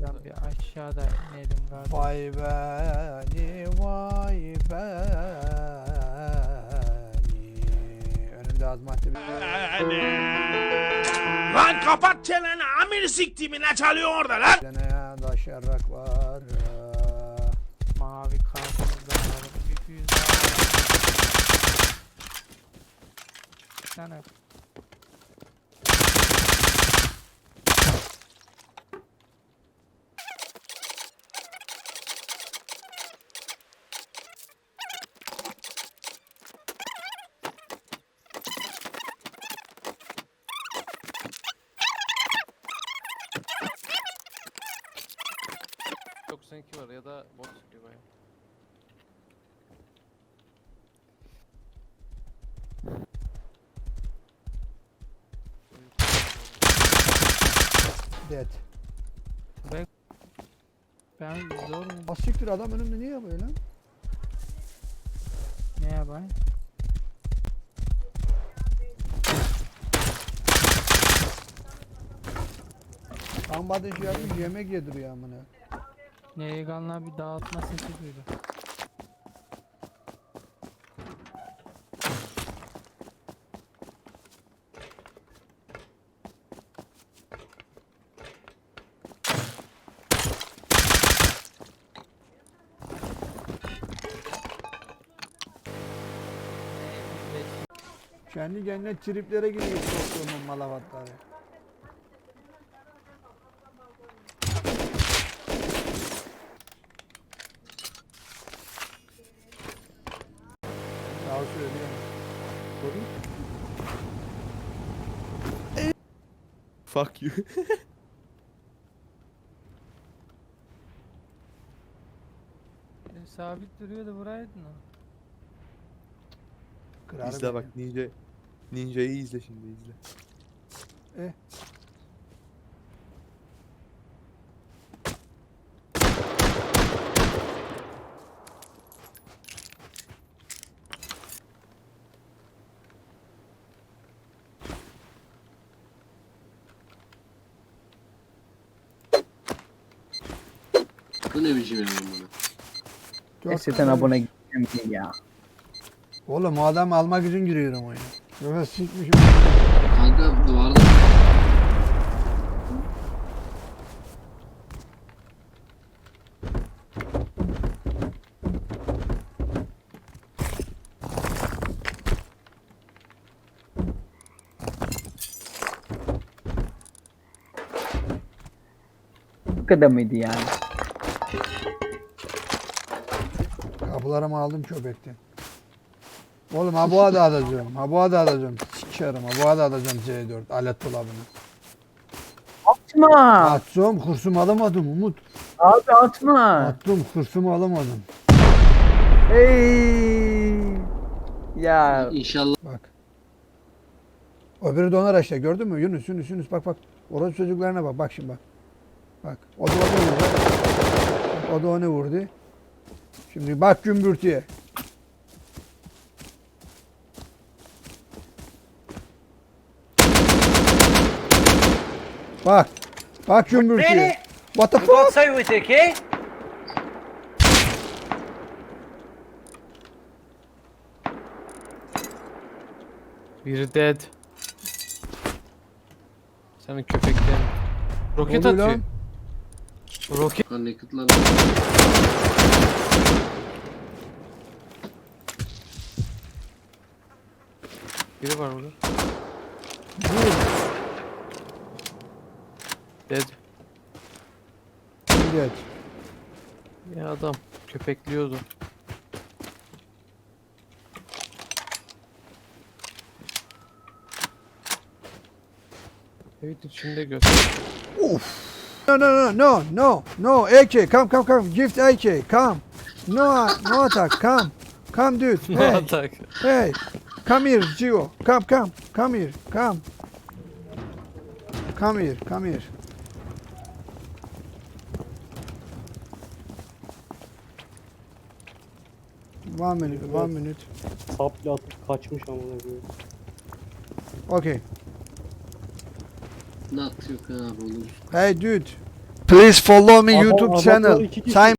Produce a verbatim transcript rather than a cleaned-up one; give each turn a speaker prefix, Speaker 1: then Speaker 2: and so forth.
Speaker 1: Şuradan bir aşağıda inelim galiba.
Speaker 2: Vay beni vay beni. Önümde azmatlı bir...
Speaker 3: Lan kapat çeneni amir siktiğimi ne çalıyor orada lan?
Speaker 2: Deneye daşarak var.
Speaker 1: Mavi kartımızda alalım. Bir füze alalım. Sana
Speaker 4: doksan iki var ya da bot sıkıyor baya.
Speaker 2: Dead.
Speaker 1: ben zor mu?
Speaker 2: Asiktir adam önümde niye böyle?
Speaker 1: Ne yapayım?
Speaker 2: Tam ateş yapmış yemek yediriyor amına.
Speaker 1: Neyganlar bir dağıtma sesi duydu.
Speaker 2: Kendi kendine triplere giriyor soktuğumun malavatları. Daha söyleyeyim.
Speaker 4: Fuck you.
Speaker 1: E, sabit duruyordu buraydın o.
Speaker 2: Kırar
Speaker 4: izle
Speaker 2: beni.
Speaker 4: bak ninja. Ninja'yı izle şimdi izle.
Speaker 2: Eh.
Speaker 5: Bu ne biçim yani bunu?
Speaker 2: Dört
Speaker 6: Siteden
Speaker 2: tane-
Speaker 6: abone gittim ya.
Speaker 2: Oğlum o adamı almak için giriyorum oyuna. Yoksa sikmişim.
Speaker 5: Kanka duvarda
Speaker 6: Bu kadar mıydı yani?
Speaker 2: Kapılarımı aldım köpekten. Oğlum ha bu da alacağım. Ha bu da alacağım. Sikerim ha bu da alacağım C dört alet dolabını.
Speaker 6: Atma!
Speaker 2: Attım kursumu alamadım Umut.
Speaker 6: Abi atma!
Speaker 2: Attım kursumu alamadım.
Speaker 6: Hey! Ya
Speaker 5: inşallah
Speaker 2: Bak. Öbürü donar işte gördün mü Yunus Yunus Yunus bak bak. Orası çocuklarına bak bak şimdi bak. Bak o da onu vurdu. Bak, o da onu vurdu. Şimdi bak gümbürtüye. Bak. Bak gümbürtüye. What the fuck?
Speaker 7: outside with it, okay?
Speaker 4: Biri dead. Senin köpekten. Roket
Speaker 2: Ne oluyor
Speaker 4: atıyor.
Speaker 2: lan?
Speaker 4: Roket.
Speaker 5: connected'lar.
Speaker 4: Biri var burada.
Speaker 2: Vur.
Speaker 4: Dead.
Speaker 2: Geç.
Speaker 4: Ya adam köpekliyordu. Evet içinde göster.
Speaker 2: No no no no no no A K come come come gift A K come. No no attack come. Come dude.
Speaker 4: Ne
Speaker 2: Hey.
Speaker 4: atak?
Speaker 2: Hey. Come here Gio. Come come. Come here. Come. Come here. Come here. One minute. One minute.
Speaker 8: Sapla atıp kaçmış amına koyayım.
Speaker 2: Okay.
Speaker 5: Ne atıyor abi oğlum?
Speaker 2: Hey dude. Please follow me
Speaker 8: Adam-
Speaker 2: YouTube
Speaker 8: adamlar
Speaker 2: channel.
Speaker 8: iki kişi.
Speaker 2: Simon